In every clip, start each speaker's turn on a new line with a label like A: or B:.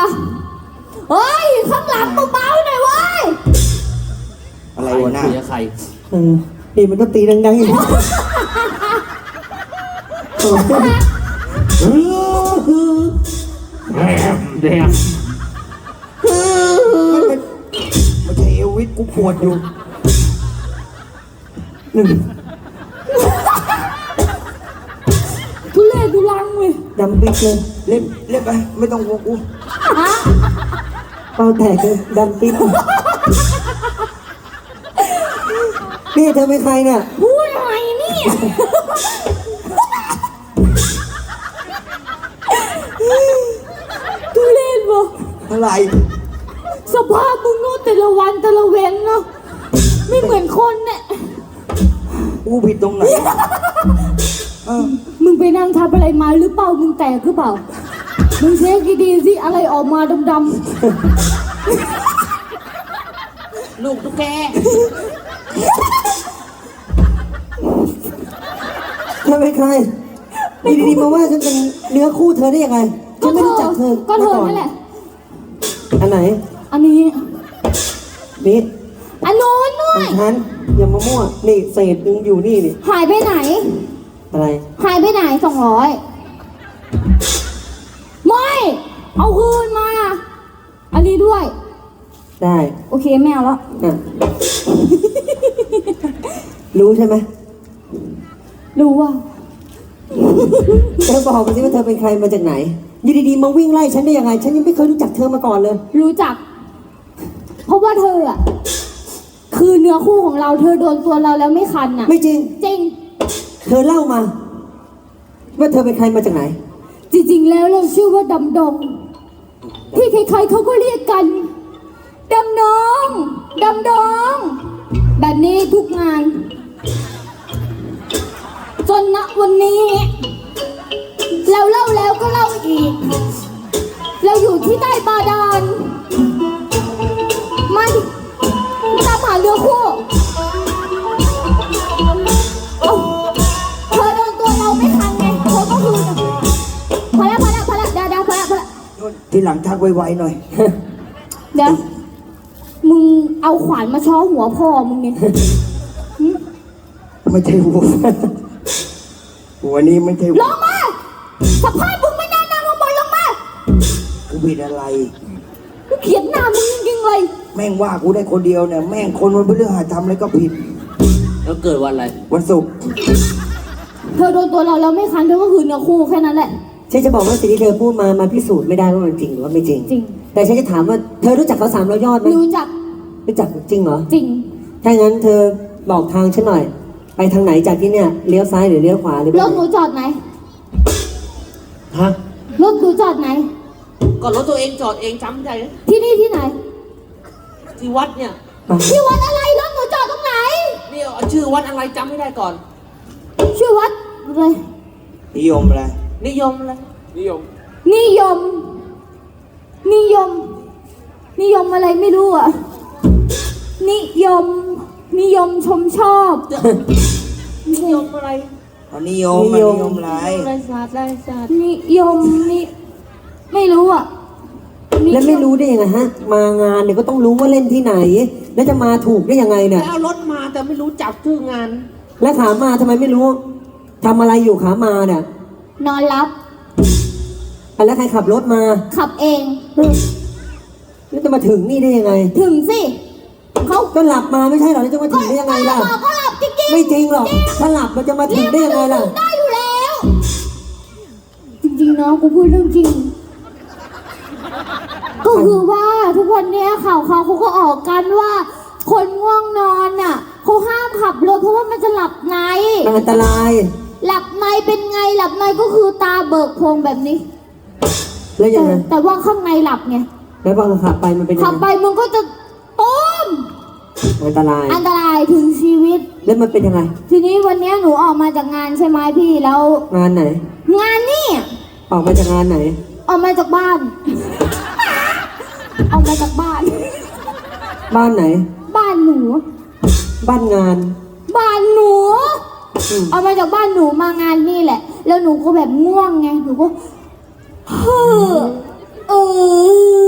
A: เฮ้ยข้างหลังเบาๆหน่อยเว้ย
B: อะไรวะน่ะ
C: ใคร
D: นี่มันก็ตีดังๆอีก
C: แดง
B: ไม่ใช่เอลวิสกูปวดอยู่
A: ทุเรศทุลังเว้ย
D: ดำปิ๊กเลย
B: เล่นไปไม่ต้องห่วงกู
D: เป้าแตกเลยดำปิ๊กนี่เธอเป็นใครเนี่ย
A: พูดอะไรเนี่ยทุเรศวะ
B: อะไร
A: สภาพมึงโน่แต่ละวันแต่ละเว้นเนาะไม่เหมือนคนเนี่ย
B: กูผิดตรงไหน
A: มึงไปนั่งทำอะไรมาหรือเปล่ามึงแตกหรือเปล่ามึงเช็คดีๆสิอะไรออกมาดำ
C: ๆลูกตุ๊กแก
D: เธอเป็นใครดีๆมาว่าฉันเป็นเนื้อคู่เธอได้ยังไงฉันไม่รู้จักเธอ
A: ก็เธอนั่นแหละ
D: อันไหน
A: อันนี้
D: นี่
A: อันโน้นด้วย
D: ฉันอย่ามามั่วนี่เศษนึงอยู่นี่นี่
A: หายไปไหน
D: อะไร
A: หายไปไหน200ไม่เอาคืนมาอันนี้ด้วย
D: ได้
A: โอเคไม่เอาแล้ว
D: รู้ใช่ไหม
A: รู้ว่า
D: เธอบอกมาสิว่าเธอเป็นใครมาจากไหนอยู่ดีๆมาวิ่งไล่ฉันได้ยังไงฉันยังไม่เคยรู้จักเธอมาก่อนเลย
A: รู้จักเพราะว่าเธออะคือเนื้อคู่ของเราเธอโดนตัวเราแล้วไม่คันอะ
D: ไม่จริง
A: จริง
D: เธอเล่ามาว่าเธอเป็นใครมาจากไหน
A: จริงๆแล้วเราชื่อว่าดำดงที่ใครๆเขาก็เรียกกันดำดงดำดงแบบนี้ทุกงานจนณวันนี้เราเล่าแล้วก็เล่าอีกเราอยู่ที่ใต้บาดาลมันตามหาเรือคู่เธอโดนตัวเราไม่ทันไงเธอก็คือพอแล้วดาพอแล้ว
B: ทีหลังทักไวๆหน่อย
A: เดี๋ยวมึงเอาขวานมาช้อหัวพ่อมึงไง
B: ไม่ใช่หัวนี้ไม่ใช่
A: ลงมาสภาพมึงไม่น่านั่งลงบนลงมา
B: กูผิดอะไร
A: กูเขียนหน้ามึงจริงๆเลย
B: แม่งว่ากูได้คนเดียวเนี่ยแม่งคนวันพฤหัสทำอะไรก็ผิด
C: แล้วเกิดวันอะไร
B: วันศุกร์
A: เธอโดนตัวเราแล้วไม่คันเธอก็คือเนื้อคู่แค่นั้นแหละ
D: ฉันจะบอกว่าสิ่งที่เธอพูดมาพิสูจน์ไม่ได้ว่ามันจริงหรือว่าไม่จริง
A: จริง
D: แต่ฉันจะถามว่าเธอรู้จักเขา300 ยอดไหม
A: รู้จัก
D: จริงเหรอ
A: จริง
D: ถ้างั้นเธอบอกทางฉันหน่อยไปทางไหนจากที่เนี่ยเลี้ยวซ้ายหรือเลี้ยวขวาหรือ
A: รถหนูจอดไหน
C: ฮะ
A: รถหนูจอดไหน
C: ก็รถตัวเองจอดเองจำใจ
A: ที่นี่ที่ไหน
C: ที่วัดเนี่ย
A: ที่วัดอะไรรถหนูจอดตรงไหน
C: นี่ชื่อวัดอะไรจำไม่ได้ก่อน
A: ชื่อวัดอะไร
B: นิยมอะไร
C: นิยมอะไรนิยม
A: อะไรไม่รู้อ่ะนิยมชมชอบ
C: นิยมอะไร
B: นิยมอะไร
C: อะไรศาสตร์
A: นิยมนี่ไม่รู้อ่ะ
D: แล้วไม่รู้ได้ยังไงฮะมางานเนี่ยก็ต้องรู้ว่าเล่นที่ไหนแล้วจะมาถูกได้ยังไงเนี่ย
C: แล้วรถมาแต่ไม่รู้จับชื่องาน
D: แล้วขามาทำไมไม่รู้ทำอะไรอยู่ขามาเนี่ย
A: นอนรับ
D: แล้วใครขับรถมา
A: ขับเอง
D: แล้วจะมาถึงนี่ได้ยังไง
A: ถึงสิ
D: เขาก็หลับมาไม่ใช่หรอแล้วจะมาถึงได้ยังไงล่ะ
A: ก็หลับจริงๆ
D: ไม่จริงหรอกถ้าหลับมันจะมาถึงได้ยังไงล่ะ
A: ได้อยู่แล้วจริงๆเนาะกูพูดเรื่องจริงก็คือว่าทุกวันนี้ข่าวเขาก็ออกกันว่าคนง่วงนอนน่ะเขาห้ามขับรถเพราะว่ามันจะหลับใน
D: อันตราย
A: หลับในเป็นไงหลับในก็คือตาเบิกโพรงแบบนี้
D: แล้วยังไง
A: แต่ว่าข้างในหลับไง
D: แล้วพอขับไปมันเป็นยังไง
A: ขับไปมันก็จะต้ม
D: อันตราย
A: ถึงชีวิต
D: แล้วมันเป็นยังไง
A: ทีนี้วันนี้หนูออกมาจากงานใช่ไหมพี่แล้ว
D: งานไหน
A: งานนี่
D: ออกมาจากงานไหน
A: ออกมาจากบ้านออกมาจากบ้าน
D: ไหน
A: บ้านหนู
D: บ้านงาน
A: บ้านหนูเอามาจากบ้านหนูมางานนี่แหละแล้วหนูก็แบบง่วงไงหนูก็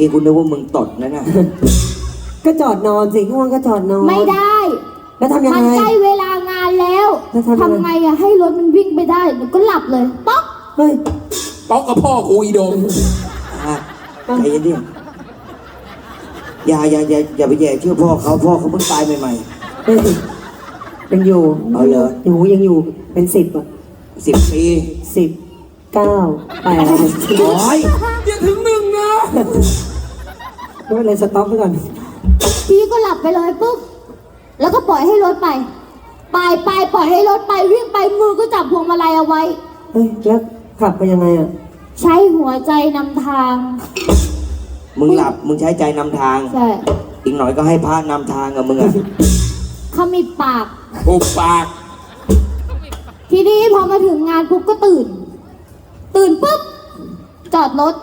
B: กี้กูนึกว่ามึงตดนะน่ะ
D: ก็จอดนอนสิง่วงก็จอดนอน
A: ไม่ได้
D: แล้วทำยัง
A: มัน
D: ไง
A: ใกล้เวลางานแล้ว
D: แล้วทำยังไง
A: ทำไงอะให้รถมันวิ่งไปได้หนูก็หลับเลยป๊อก
D: เฮ้ย
E: ป๊อกกับพ่อกูอีดง
B: อ่ะใจเย็นดิอย่าไปแย่เชื่อพ่อเขาเพิ่งตายใหม่
D: เฮ้ยยังอยู่
B: เอาเหรอ
D: ยังอยู่เป็น10อ่ะ
B: ๆ10 ปี
D: 10 9 8
B: โอ้ย
E: อย่าถึงหนึ่งนะ
D: ไม่เป็นไรสต็อปไปก่อน
A: พี่ก็หลับไปเลยปุ๊บแล้วก็ปล่อยให้รถไปปล่อยให้รถไปวิ่งไปมือก็จับพวงมาลัยเอาไว้
D: เฮ้ยแล้วขับไปยังไงอ่ะ
A: ใช้หัวใจนำทาง
B: มึงหลับมึงใช้ใจนำทาง
A: ใช่
B: อีกหน่อยก็ให้พระนำทางกับมึงอ่ะ
A: เขามีปาก
E: ปุบปาก
A: ทีนี้พอมาถึงงานปุ๊บก็ตื่นปุ๊บจอดรถ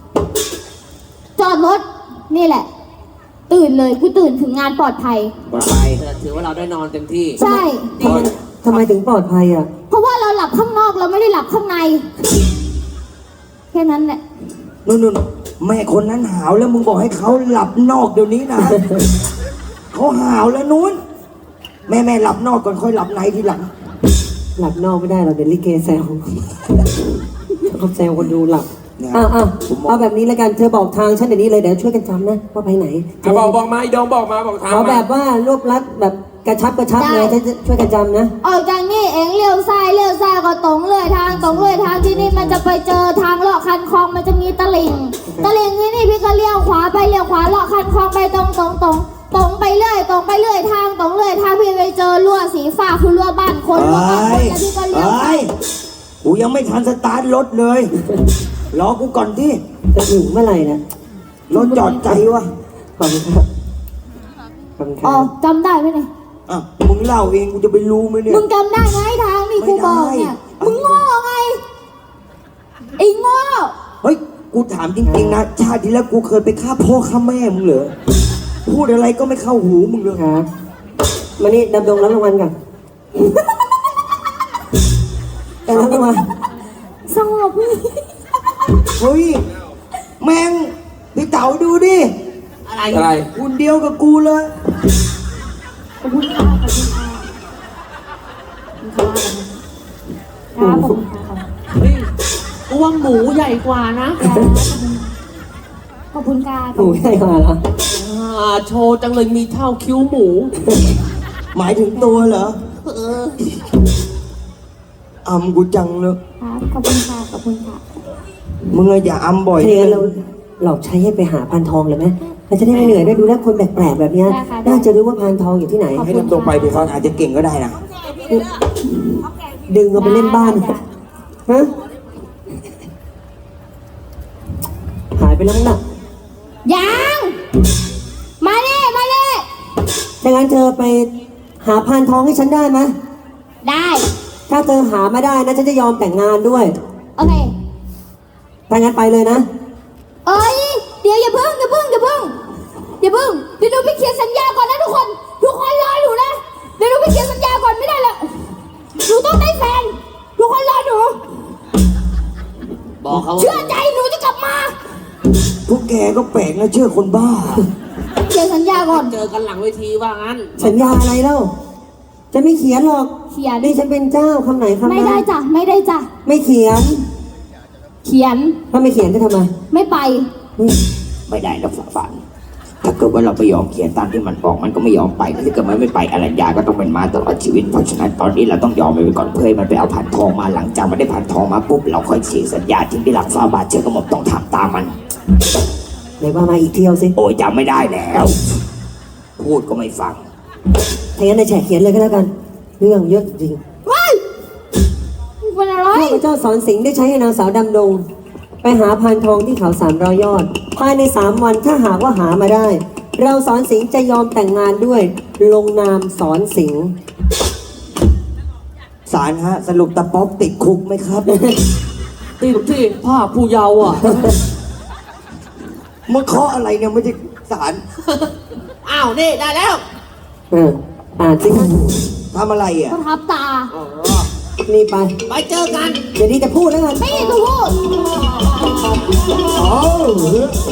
A: นี่แหละ ตื่นเลยกูตื่นถึงงานปลอดภัย
B: ปลอดภัย
C: ถือว่าเราได้นอนเต็มที่
A: ใช่
D: ทำไมถึงปลอดภัยอ่ะ
A: เพราะว่าเราหลับข้างนอกเราไม่ได้หลับข้างใน แค่นั้นแหละ
B: นู่นแม่คนนั้นหาวแล้วมึงบอกให้เขาหลับนอกเดี๋ยวนี้นะ เขาหาวแล้วนู้นแม่หลับนอกก่อนค่อยหลับในทีหลัง
D: หลับนอกไม่ได้เราเดี๋ยวลิเกแซวเขาแซวคนดูหลับ
B: เนี่ย
D: เอาแบบนี้แล้วกันเธอบอกทางฉันเดี๋ยวนี้เลยเดี๋ยวช่วยกันจำนะว่าไปไหน
E: บอกมาอีดงบอกมาบอกทาง
D: ขอ
E: มา
D: แบบว่ารวบรัดแบบกระชับเลยฉันจะช่วยกันจำนะ
A: ออกจากนี่เองเลี้ยวซ้ายก็ตรงเลยทางที่นี่มันจะไปเจอทางเลาะคันคลองมันจะมีตลิ่งที่นี่พี่ก็เลี้ยวขวาไปเลี้ยวขวาเลาะคันคลองไปตรงไปเรื่อยทางพี่ไปเจอรั้วสีฟ้าคือรั้วบ้านคนรั้วบ้านคนแล้วพี่ก็เลี้ยวไป
B: กูยังไม่ทันสตาร์ทรถเลยรอกูก่อนที่
D: จะถึงเมื่อไหร่นะ
B: รถจอดใจวะ
D: ขอบคุณครับขอบคุณค
A: อ๋อ
D: รับ
A: จำได้ไหมเนี่ย
B: อ่ะมึงเล่าเองกูจะไปรู้ไหมเนี่ย
A: มึงจำได้ไหมทางนี่กูบอกเนี่ย
B: ไม่ได้
A: มึงโง่ไงไอ้โง่
B: เฮ้ยกูถามจริงๆนะชาติที่แล้วกูเคยไปฆ่าพ่อฆ่าแม่มึงเหรอพูดอะไรก็ไม่เข้าหูมึงเลย
D: ครับมานี่ดำดงรับรางวัลก่อนรับรางวัล
A: สงบ
B: เฮ้ยแม่งพี่เต๋าดูดิ
E: อะไร
B: คุณเดียวกับกูเลย
A: ขอบคุณค่ะครับผม
C: เฮ้ยกูว่าหมูใหญ่กว่านะ
A: ขอบคุณค่ะ
D: หนูใหญ่กว่าเหรอ
C: โชว์จังเลยมีเท่าคิ้วหมู
B: หมายถึงตัวเหรออำกูจังเลย
A: ครับขอบคุณค่ะขอบคุณค่ะ
B: มึงอะอย่าอำบ่อย
D: ทีนี้เราหลอกใช้ให้ไปหาพานทองเลยไหมเราจะได้ไม่เหนื่อยได้ดูแลคนแปลกๆแบบเนี้ยน่าจะรู้ว่าพานทองอยู่ที่ไหน
B: ให้ลำตรงไปพี่เขาอาจจะเก่งก็ได้นะ
D: ดึงเอาไปเล่นบ้านฮะหายไปแล้วมั้งน่ะ
A: ยังมาเน่
D: ถ้างั้นเธอไปหาพานทองให้ฉันได้ไหม
A: ได้
D: ถ้าเธอหามาได้นะฉันจะยอมแต่งงานด้วย
A: โอเค
D: ถ้างั้นไปเลยนะ
A: เอ้ยเดี๋ยวอย่าเพิ่งเดี๋ยวหนูไปเขียนสัญญาก่อนนะทุกคนรอหนูนะเดี๋ยวหนูไปเขียนสัญญาก่อนไม่ได้ละหนูต้องได้แฟนทุกคนรอหนู
C: บอกเขา
A: เชื่อใจหนูจะกลับมา
B: พวกแกก็แปลกนะเชื่อคนบ้า
A: เขียนสัญญาก่อน
C: เจอกันหลังเวทีว่างั้น
D: สัญญาอะไรเล่าจะไม่เขียนหรอก
A: เขียน
D: นี่ฉันเป็นเจ้าคำไหนคำนั้น
A: ไม่ได้จ้ะไม่ได้จ้ะ
D: ไม่เขียน
A: เขียน
D: ถ้าไม่เขียนจะทำไม
A: ไม่ไป
D: เฮ้ย
B: ไม่ได้นะฝันถ้าเกิดว่าเราไปยอมเขียนตามที่มันบอกมันก็ไม่ยอมไปถ้าเกิดมันไม่ไปอรัญญาก็ต้องเป็นม้าตลอดชีวิตเพราะฉะนั้นตอนนี้เราต้องยอมมันไปก่อนเพื่อให้มันไปเอาผ่านทองมาหลังจากมันได้ผ่านทองมาปุ๊บเราค่อยเขียนสัญญาที่ได้หลักฟ้าบาทเชื่อกระหม่อมต้องทำตามมัน
D: ไหนว่ามาอีกเที่ยวสิ
B: โอ้ยจำไม่ได้แล้ว พูดก็ไม่ฟัง
D: ถ้างั้นนายแฉเขียนเลยก็แล้วกัน เรื่องเยอะจริง
A: ว้ายเป็นอะไร
D: ข้าพเจ้าสอนสิงห์ได้ใช้ให้นางสาวดำดง ไปหาพานทองที่เขา300 ยอด ภายใน3 วันถ้าหากว่าหามาได้ เราสอนสิงห์จะยอมแต่งงานด้วย ลงนามสอนสิงห์
B: ศาลฮะสรุปตะป๊อกติดคุกไหมครับ
C: ติดที่ผ้าผู้เยาว์อ่ะ
B: มันเคาะอะไรเนี่ยไม่ใช่ศาล
C: อ้าว นี่ ได้แล้ว
D: อ่านสิ
B: ทำอะไรอ่ะ
A: ประทับตา
D: นี่ไป
C: ไปเจอกัน
D: เดี๋ยวนี้จะพูดแล้วกัน
A: ไม่ได้จะพูด